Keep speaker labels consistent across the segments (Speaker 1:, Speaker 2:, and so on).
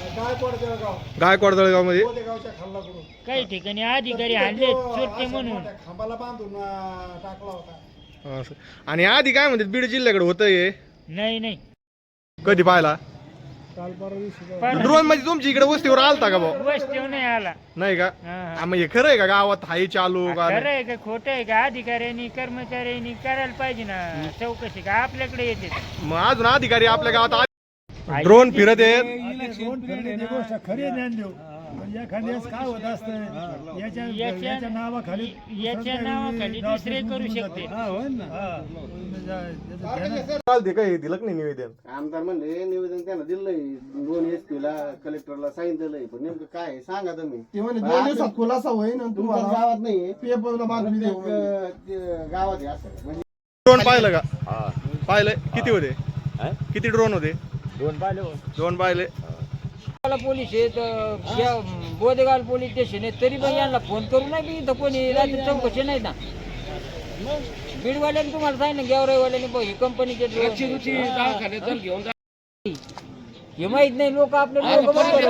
Speaker 1: गायकवाड जळगाव मध्ये
Speaker 2: काही ठिकाणी अधिकारी आणले चोरटे म्हणून
Speaker 3: खांबाला बांधून टाकला होता.
Speaker 1: असं. आणि आधी काय म्हणतात बीड जिल्ह्याकडे होतं हे
Speaker 2: नाही
Speaker 1: कधी पाहिला
Speaker 3: काल परवा दिवशी
Speaker 1: ड्रोन म्हणजे तुमच्या इकडे वस्तीवर आलता का भाऊ
Speaker 2: वस्तीवर नाही आला.
Speaker 1: नाही का
Speaker 2: हा.
Speaker 1: मग हे खरं आहे का गावात हाय चालू का
Speaker 2: खरं आहे का खोटं आहे का अधिकाऱ्यांनी कर्मचाऱ्यांनी करायला पाहिजे ना चौकशी का आपल्याकडे येते.
Speaker 1: मग अजून अधिकारी आपल्या गावात ड्रोन फिरत आहेत
Speaker 3: इलेक्शन फिरण्याची गोष्ट खरी ज्ञान देऊ. पण एखाद्यास काय होत असतं याच्या नावाखाली
Speaker 2: दुसरे करू शकते.
Speaker 1: चालते काय दिलं नाही निवेदन
Speaker 4: आमदार म्हणले निवेदन त्यांना दिलंय 2 SP ला कलेक्टरला सांगितलंय पण नेमकं काय आहे सांगा तुम्ही.
Speaker 3: ते म्हणजे 2 दिवसात खुलासा होईल आणि
Speaker 4: तुमच्या
Speaker 3: तुम्हाला
Speaker 4: गावात नाही
Speaker 3: पेपरला बातमी देऊ.
Speaker 4: गावात आहे असं म्हणजे
Speaker 1: ड्रोन पाहिलं का पाहिलं किती होते किती ड्रोन होते 2 पाहिले
Speaker 2: पोलीस आहेत बोदेगाव पोलीस स्टेशन आहे तरी पण यांना फोन करू नाही मी इथं कोणी रात्री चौकशी नाही ना. बीडवाल्याने तुम्हाला सांगितलं गेवराईवाल्याने ही कंपनीचे हे माहित नाही लोक आपले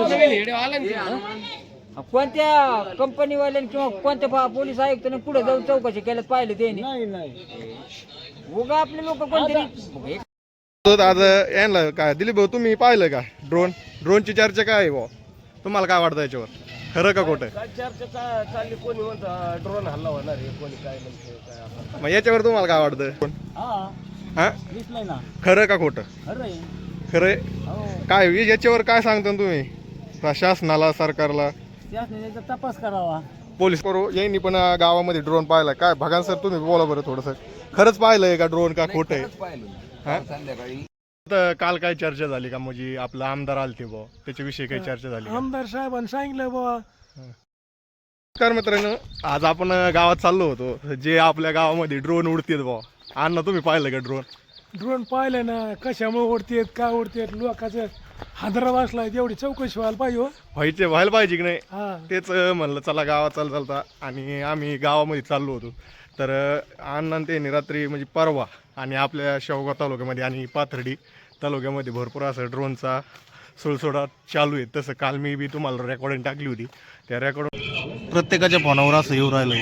Speaker 2: कोणत्या कंपनीवाल्याने किंवा कोणत्या पोलीस आयुक्ताने पुढे जाऊन चौकशी केल्यात पाहिलं त्यांनी उगा आपले लोक कोणतरी.
Speaker 1: आज यांना काय दिलीप भाऊ तुम्ही पाहिलं का ड्रोनची चर्चा काय आहे भाऊ तुम्हाला काय वाटतं याच्यावर खरं का खोटं
Speaker 5: काय चर्चा चालली कोणी म्हणतं ड्रोन हल्ला होणार आहे कोणी काय म्हणते काय आपण
Speaker 1: मग याच्यावर तुम्हाला काय वाटतं हा
Speaker 5: दिसलंय ना
Speaker 1: खरं का खोटं
Speaker 5: खरं
Speaker 1: खरंय काय याच्यावर काय सांगता तुम्ही शासनाला सरकारला
Speaker 5: त्याचा तपास करावा.
Speaker 1: पोलीस करू यांनी पण गावामध्ये ड्रोन पाहिला काय भगान सर तुम्ही बोला बरं थोडंसं खरंच पाहिलंय का ड्रोन का खोटं आहे
Speaker 4: संध्याकाळी
Speaker 1: काल काय चर्चा झाली का म्हणजे आपलं आमदार आलते भाऊ त्याच्याविषयी काही चर्चा झाली का?
Speaker 3: आमदार साहेबांनी सांगितलं बाबा.
Speaker 1: नमस्कार मित्रांनो आज आपण गावात चाललो होतो जे आपल्या गावामध्ये ड्रोन उडतात भाऊ अण्णा तुम्ही पाहिलं का
Speaker 3: ड्रोन पाहिलं ना कशामुळे उडतेत काय उडतेत लोकांचं हादरा वाचलाय तेवढी चौकशी व्हायला पाहिजे.
Speaker 1: व्हायला पाहिजे की नाही
Speaker 3: हा
Speaker 1: तेच म्हणलं चला गावात चालता आणि आम्ही गावामध्ये चाललो होतो तर अण्णा त्यांनी रात्री म्हणजे परवा आणि आपल्या शेवगाव तालुक्यामध्ये आणि पाथर्डी तालुक्यामध्ये भरपूर असं ड्रोनचा सुळसुळाट चालू आहे. तसं काल मी बी तुम्हाला रेकॉर्डिंग टाकली होती त्या रेकॉर्ड प्रत्येकाच्या फोनावर असं येऊ राहिलं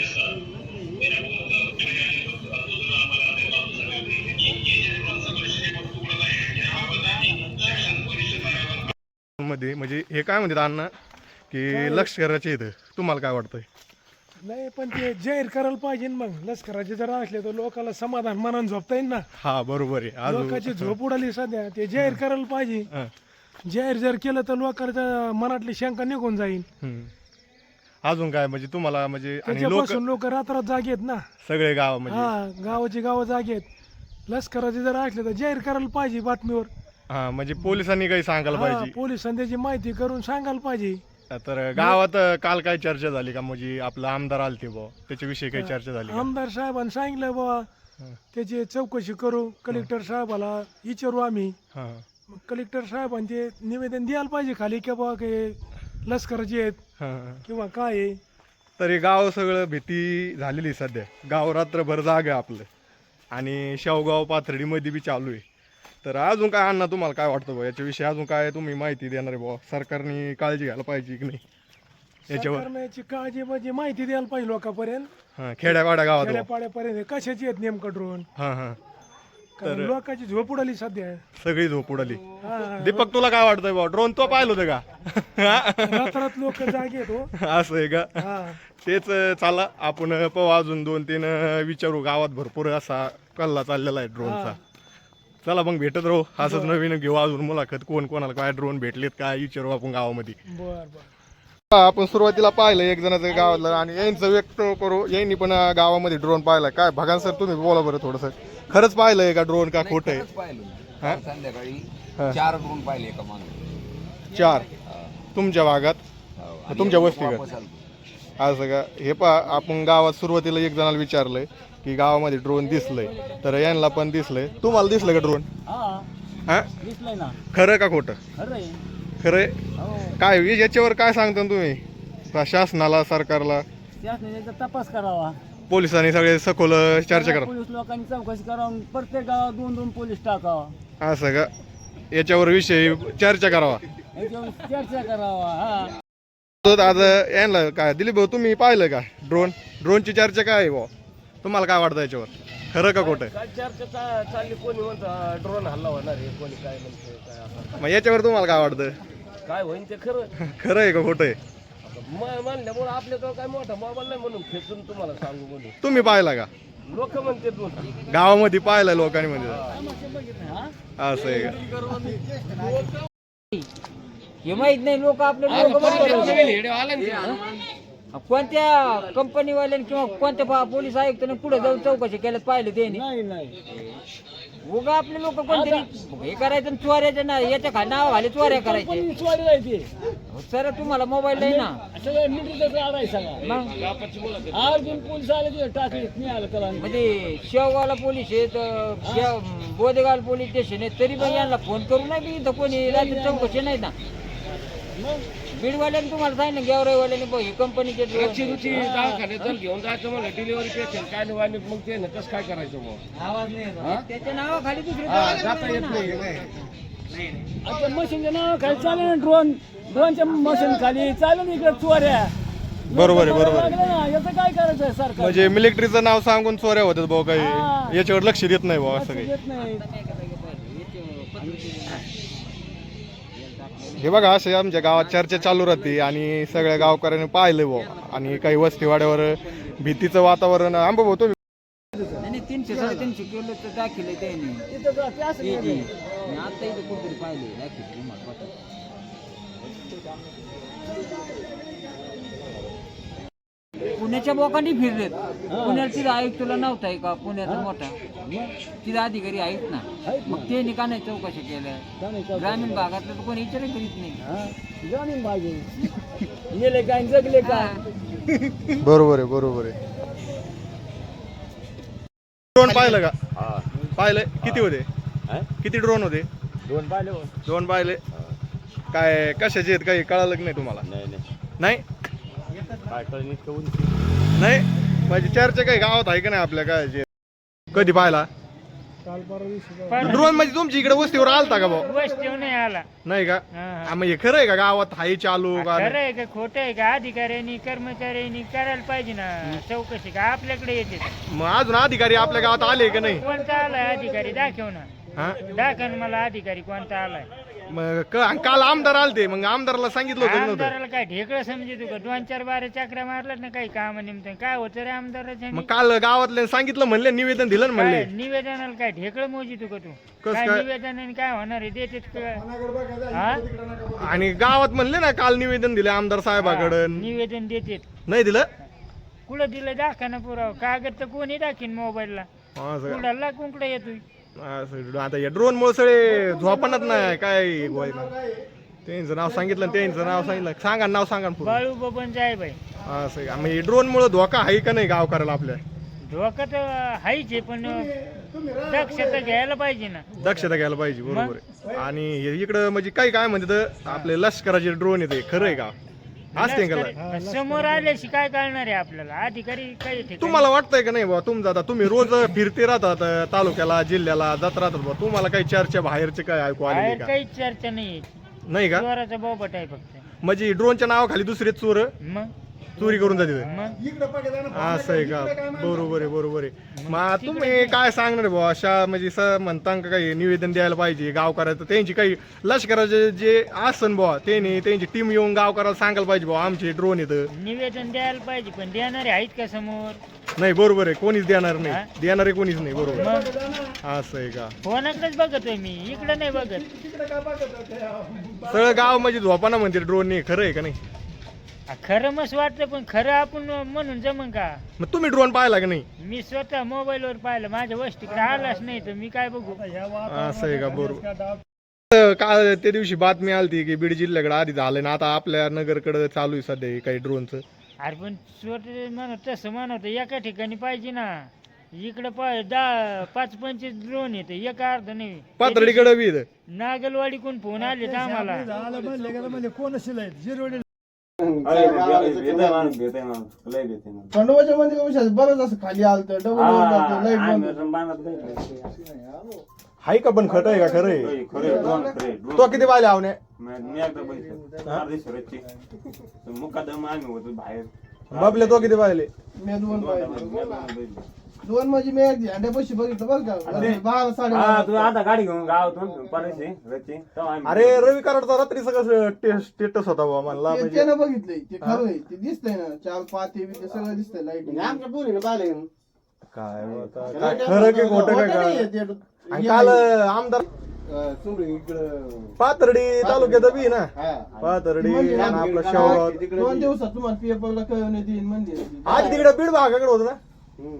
Speaker 1: मध्ये म्हणजे हे काय म्हणतात अण्णा की लष्कराचे इथं तुम्हाला काय वाटतंय
Speaker 3: नाही पण ते जाहीर करायला पाहिजे ना. मग लष्कराचे जर असले तर लोकांना समाधान मनानं झोपता येईल ना.
Speaker 1: हा बरोबर आहे
Speaker 3: लोकांची झोप उडाली सध्या ते जाहीर करायला पाहिजे.
Speaker 1: हं.
Speaker 3: जाहीर जर केलं तर लोकांच्या मनातली शंका निघून जाईल.
Speaker 1: अजून काय म्हणजे तुम्हाला म्हणजे आणि लोक
Speaker 3: त्याच्यापासून लोक रात्रात जागे आहेत ना.
Speaker 1: सगळे गाव म्हणजे
Speaker 3: हा गावाची गावं जागे आहेत. लष्कराचे जर असले तर जाहीर करायला पाहिजे बातमीवर.
Speaker 1: हा म्हणजे पोलिसांनी काही सांगायला
Speaker 3: हा,
Speaker 1: पाहिजे.
Speaker 3: पोलिसांनी त्याची माहिती करून सांगायला पाहिजे.
Speaker 1: तर गावात काल काय चर्चा झाली का म्हणजे आपलं आमदार आलते भाऊ त्याच्याविषयी काही चर्चा झाली का?
Speaker 3: आमदार साहेबांनी सांगितलं बाबा त्याची चौकशी करू. कलेक्टर साहेबाला विचारू आम्ही.
Speaker 1: हा
Speaker 3: मग कलेक्टर साहेबांनी ते निवेदन द्यायला पाहिजे खाली की बाबा काही लष्कराचे आहेत
Speaker 1: हा.
Speaker 3: किंवा काय आहे.
Speaker 1: तरी गाव सगळं भीती झालेली सध्या गाव रात्रभर जाग आहे आपलं आणि शेवगाव पाथर्डीमध्ये बी चालू आहे. तर अजून काय अण्णा तुम्हाला काय वाटतं भाऊ याच्याविषयी अजून काय तुम्ही माहिती देणार आहे भाऊ सरकारने काळजी घ्यायला पाहिजे की नाही याच्यावर
Speaker 3: सरकारने याची काळजी म्हणजे माहिती द्यायला पाहिजे लोकांपर्यंत.
Speaker 1: हा खेड्यावाड्या गावात भाऊ.
Speaker 3: खेड्यापाड्यापर्यंत कशाची आहेत नेमकं ड्रोन.
Speaker 1: हा हा
Speaker 3: कारण लोकांची झोप उडाली सध्या.
Speaker 1: सगळी झोप उडाली.
Speaker 3: हा.
Speaker 1: दीपक तुला काय वाटतंय भाऊ ड्रोन तो पाहिलं होतं का
Speaker 3: रात्रात लोक जागे आहेत हो.
Speaker 1: असं आहे का
Speaker 3: हा
Speaker 1: तेच चला आपण पाहू अजून 2-3 विचारू गावात भरपूर असा कल्ला चाललेला आहे ड्रोनचा. चला मग भेटत राहू असंच नवीन घेऊ अजून मुलाखत कोण कोणाला काय ड्रोन भेटलेत काय विचारू आपण गावामध्ये.
Speaker 3: बर
Speaker 1: आपण सुरुवातीला पाहिलं एक जणाचं गावातलं आणि यांचं व्यक्त करू यांनी पण गावामध्ये ड्रोन पाहिला काय भगान सर तुम्ही बोला बरं थोडंसं खरंच पाहिलंय का ड्रोन का खोटं आहे.
Speaker 4: संध्याकाळी
Speaker 1: हा.
Speaker 4: 4 ड्रोन पाहिले एका माणूस
Speaker 1: 4 तुमच्या भागात तुमच्या वस्तीगत असं का हे आपण गावात सुरुवातीला एक जणाला विचारलंय की गावामध्ये ड्रोन दिसलंय तर यांना पण दिसलंय. तुम्हाला दिसलं का ड्रोन हा
Speaker 5: दिसलंय ना.
Speaker 1: खरं का खोटं खरंय काय याच्यावर काय सांगता तुम्ही शासनाला सरकारला
Speaker 5: त्याचा तपास करावा.
Speaker 1: पोलिसांनी सगळे सखोल चर्चा करा
Speaker 5: पोलीस लोकांनी चौकशी करावं. प्रत्येक गावात 2-2 पोलीस टाकावा.
Speaker 1: असं का याच्यावर विषयी चर्चा करावा
Speaker 2: चर्चा करावा. हा
Speaker 1: तर आता यांना काय दिलीप भाऊ तुम्ही पाहिलं का ड्रोनची चर्चा काय आहे भाऊ तुम्हाला काय वाटतं याच्यावर खरं का खोटं
Speaker 5: काय चर्चा चालली, कोणी म्हणतं ड्रोन हल्ला होणार आहे, कोणी काय म्हणते काय असं.
Speaker 1: मग याच्यावर तुम्हाला काय वाटतं
Speaker 5: काय होईन ते खरं
Speaker 1: खरं आहे का खोटं आहे
Speaker 5: म्हणल्यामुळे आपल्याजवळ काय मोठा मोबाईल नाही म्हणून खेचून तुम्हाला सांगू म्हणून.
Speaker 1: तुम्ही पाहिला का
Speaker 5: लोक म्हणते ड्रोन
Speaker 1: गावामध्ये पाहिलं लोकांनी म्हणजे असं आहे का
Speaker 2: हे माहित नाही लोक आपले कोणत्या कंपनीवाल्याने किंवा कोणत्या पोलीस आयुक्ताने पुढे जाऊन चौकशी केल्यात पाहिलं त्यांनी. उगा आपले लोक कोणतरी हे करायचं आणि चोऱ्याच्या ना याच्या नाव खाली चोऱ्या करायचे. सर तुम्हाला मोबाईल नाही ना म्हणजे शेवगावला पोलीस आहेत, बोदेगाव पोलीस स्टेशन आहे, तरी पण यांना फोन करू नाही इथं कोणी रात्री चौकशी नाही ना. बीडवाल्याने तुम्हाला सांगितलं गेवराईवाल्याने बघ ही कंपनीचे
Speaker 5: दवाखान्यात घेऊन जायचं मला डिलिव्हरी पेशंट काय नाही मग ते ना कसं काय करायचं मग
Speaker 2: त्याच्या नावाखाली दुसरी
Speaker 5: जाता येत नाही.
Speaker 3: आता मशीनच्या नावाखाली चालेल ना ड्रोनच्या मशीन खाली चालेल इकडे चोऱ्या.
Speaker 1: बरोबर आहे बरोबर आहे.
Speaker 3: लागलं ना, याचं काय करायचं सरकार
Speaker 1: म्हणजे मिलिटरीचं नाव सांगून चोऱ्या होतात भाऊ काही याच्यावर लक्ष देत नाही भाऊ असं काही.
Speaker 3: येत नाही.
Speaker 1: हे बघा असे आमच्या गावात चर्चा चालू राहते आणि सगळ्या गावकऱ्यांनी पाहिलं भाऊ आणि काही वस्तीवाड्यावर भीतीचं वातावरण आंबा भाऊ तुम्ही
Speaker 2: नाही 300-350 किलो तर दाखिले त्यांनी आता इथे कुठेतरी पाहिले दाखिले महत्वाचं. पुण्याच्या बोकांनी फिरलेत. पुण्याला तिथं आयुक्तला नव्हता का पुण्याचा मोठा तिथं अधिकारी आहेत ना, मग ते का नाही चौकशी केल्या. ग्रामीण भागातलं तर कोणी विचार करीत नाही.
Speaker 3: ग्रामीण भाग गेले काय जगले काय.
Speaker 1: बरोबर आहे. ड्रोन पाहिलं का पाहिलं किती होते किती ड्रोन होते दोन पाहिले काय कशाचे आहेत काही कळालं की नाही तुम्हाला नाही नाही म्हणजे चर्चा काही गावात आहे का नाही आपल्या काय जे कधी पाहिला ड्रोन म्हणजे तुमच्या इकडे वस्तीवर आलता का भाऊ
Speaker 6: वस्तीवर नाही आला.
Speaker 1: नाही का मग हे खरं आहे का गावात हाई चालू का
Speaker 6: खरं आहे का खोटं आहे का अधिकाऱ्यांनी कर्मचाऱ्यांनी करायला पाहिजे ना चौकशी का आपल्याकडे येते.
Speaker 1: मग अजून अधिकारी आपल्या गावात आले का नाही
Speaker 6: कोणता आलाय अधिकारी दाखव ना,
Speaker 1: हा
Speaker 6: दाखव मला अधिकारी कोणता आलाय.
Speaker 1: मग काल आमदार आलते मग आमदाराला सांगितलं होतं नव्हतं
Speaker 6: आमदाराला काय ढेकळं समजत का 2-4 बारे चक्रा मारल्यात ना काही काम निमित्त काय होतं रे आमदाराच्या.
Speaker 1: मग काल गावातले सांगितलं म्हणले निवेदन दिलं ना म्हणले
Speaker 6: निवेदनाला काय ढेकळं मोजितो का तू
Speaker 1: कसं
Speaker 6: काय
Speaker 1: काय?
Speaker 6: निवेदनाने काय होणार आहे देतेत का.
Speaker 1: आणि गावात म्हणले ना काल निवेदन दिले आमदार साहेबाकडं
Speaker 6: निवेदन देतेत
Speaker 1: नाही दिलं
Speaker 6: कुठं दिलं दाखा ना पुरावा कागद तर कोणी दाखीन मोबाईलला
Speaker 1: असं का?
Speaker 6: कुणाला कुंकडे येतोय.
Speaker 1: असं आता या ड्रोन मुळे सगळे झोपणच नाही काय गोय त्यांचं नाव सांगितलं त्यांचं नाव सांगितलं सांगा नाव सांगा ना पूर्ण.
Speaker 6: बाळू बबन जाय बाई
Speaker 1: असं का? म्हणजे ड्रोन मुळे धोका आहे का नाही गावकऱ्याला आपल्या
Speaker 6: धोका तर हायच आहे पण दक्षता घ्यायला पाहिजे ना.
Speaker 1: दक्षता घ्यायला पाहिजे बरोबर आहे. आणि हे इकडं म्हणजे काय काय म्हणतात आपले लष्कराचे ड्रोन येते खरं आहे का असते का
Speaker 6: लष्कर समोर आल्याशी काय कळणार आहे आपल्याला अधिकारी काय येते
Speaker 1: तुम्हाला वाटतंय का नाही बाबा तुमचं आता तुम्ही रोज फिरते राहतात तालुक्याला जिल्ह्याला जात राहतात बाबा तुम्हाला काही चर्चा बाहेरचे काय ऐकू आलेली
Speaker 6: बाहेर
Speaker 1: का
Speaker 6: काहीच चर्चा नाही
Speaker 1: नाही का
Speaker 6: चोराचा बोबट आहे फक्त.
Speaker 1: म्हणजे ड्रोनच्या नावाखाली दुसरे चोर
Speaker 6: मग
Speaker 1: चोरी करून जाते
Speaker 6: मग
Speaker 1: असं आहे का बरोबर आहे मग तुम्ही काय सांगणार बुवा अशा म्हणजे म्हणता का काही निवेदन द्यायला पाहिजे गावकऱ्याचं त्यांची काही लष्कराचे जे आसन बुवा त्यांची टीम येऊन गावकऱ्याला सांगायला पाहिजे बुवा आमचे ड्रोन येतं
Speaker 6: निवेदन द्यायला पाहिजे पण देणारे आहेत का समोर.
Speaker 1: नाही बरोबर आहे कोणीच देणार नाही देणारे कोणीच नाही बरोबर
Speaker 6: मग
Speaker 1: असं आहे का
Speaker 6: फोनाकडेच बघतोय मी इकडे नाही बघत.
Speaker 1: सगळं गाव म्हणजे झोपाना म्हणते ड्रोन नाही खरं आहे का नाही
Speaker 6: खरं मस्त वाटतं पण खरं आपण म्हणून जमन का.
Speaker 1: मग तुम्ही ड्रोन पाहिला का नाही
Speaker 6: मी स्वतः मोबाईलवर पाहिलं माझ्या वस्तीकडे आलाच नाही तर मी काय बघू.
Speaker 1: असं आहे का बरोबर. काल त्या दिवशी बातमी आलती की बीड जिल्ह्याकडे आधी झालं ना आता आपल्या नगरकडे चालू आहे सध्या काही ड्रोनचं.
Speaker 6: अरे पण स्वतः म्हणत तसं म्हणत एका ठिकाणी पाहिजे ना. इकडे 5-25 ड्रोन येते एक अर्ध नाही.
Speaker 1: पाथर्डीकडे बी
Speaker 6: नागलवाडी कोण फोन आले तर आम्हाला
Speaker 3: झालं म्हणले गेलं म्हणजे कोण असेल जिरवडे
Speaker 4: खंडोबाच्या मध्ये बरंच असं खाली आलतं डबल लाईट
Speaker 1: हाय का पण खट आहे का खरं आहे?
Speaker 7: खरे ड्रोन खरे
Speaker 1: तो किती पाहिले आवने?
Speaker 7: मी एकदा बघितलं अर्धी सुरतची मुकादम आम्ही होतो बाहेर
Speaker 1: बाबले तो किती पाहिले?
Speaker 4: मी दोन पाहिजे
Speaker 7: बघितलं.
Speaker 4: दोन म्हणजे मी एक झेंड्यापाशी बघितलं बरं का 12
Speaker 7: हा तू
Speaker 4: 12:30
Speaker 7: आता गाडी घेऊन गावातून परायची रची तेव्हा आम्ही
Speaker 1: अरे रवी कराडचा रात्री सगळं स्टेटस होता बाबा म्हणला
Speaker 8: ते
Speaker 1: म्हणजे
Speaker 8: त्यानं बघितलंय ते खरं आहे ते दिसतंय ना 4 5 ते सगळं दिसतंय लाईट
Speaker 4: आमच्या पोरीनं पाहिले
Speaker 1: काय होता, काय खरं की खोटं काय काय आणि काल आमदार
Speaker 4: चुंबडी इकडं
Speaker 1: पाथर्डी तालुक्यात बी ना
Speaker 4: हा
Speaker 1: पाथर्डी
Speaker 8: म्हणजे
Speaker 1: आणि आपलं शेवगाव
Speaker 8: 2 दिवसात तुम्हाला पेपरला कळवण्यात येईल म्हणजे
Speaker 1: आज तिकडे बीड भागाकडे होत ना.
Speaker 4: हम्म.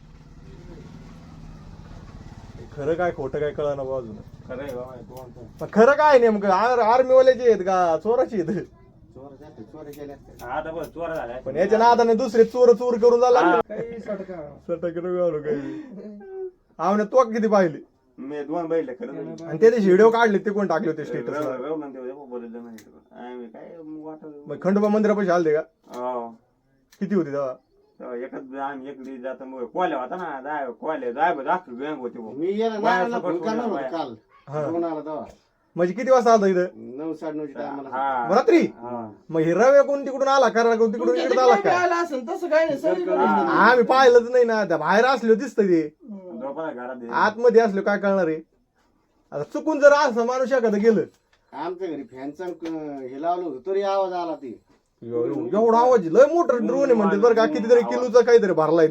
Speaker 1: खरं काय खोटं काय कळा ना अजून.
Speaker 7: खरं आहे बाबा तू म्हणतो.
Speaker 1: पण खरं काय नेमकं आर्मीवाल्याचे आहेत का चोराची आहेत?
Speaker 4: चोऱ्या केल्या असत्या.
Speaker 7: आता बस चोर झालाय
Speaker 1: पण याच्या नादाने दुसरे चोर करून झाला
Speaker 8: काही सटका
Speaker 1: काही आवने तो किती पाहिले
Speaker 7: मी 2 बैल खरं
Speaker 1: आणि त्या दिवशी व्हिडिओ काढले ते कोण टाकले होते स्टेटस
Speaker 7: बोललं नाही आम्ही काय वाटत
Speaker 1: मग खंडोबा मंदिरापाशी आलते का?
Speaker 7: हो
Speaker 1: किती होती तेव्हा?
Speaker 7: एकच आम्ही एकडी जाता मग कोल्या होता ना जाय दाखव गँग होती भाऊ.
Speaker 4: मी याला
Speaker 7: बाया
Speaker 4: नानाला
Speaker 7: सगळं
Speaker 4: फोन करणार होतो
Speaker 7: बाया.
Speaker 4: काल
Speaker 1: हा.
Speaker 4: फोन आला तेव्हा
Speaker 1: म्हणजे किती वाजता आलता इथं?
Speaker 4: 9:30 टायमाला
Speaker 7: हा.
Speaker 1: रात्री?
Speaker 7: हा.
Speaker 1: मग हे रव्या कोण तिकडून आला कराड कोण तिकडून इकडे आला काय?
Speaker 8: आला असेल तसं काय नाही सगळीकडे
Speaker 1: आम्ही पाहिलंच नाही ना, त्या बाहेर असलो दिसत ते
Speaker 7: झोपायला घरात आहे.
Speaker 1: आतमध्ये असलो काय कळणार आहे? आता चुकून जर असं माणूस एखादं गेलं
Speaker 4: आमच्या घरी फॅनचा हे लावलं होतं तरी आवाज आला ते
Speaker 1: एवढा आवाज लय मोठं ड्रोन आहे म्हणते बरं का, कितीतरी किलोचा काहीतरी भरलाय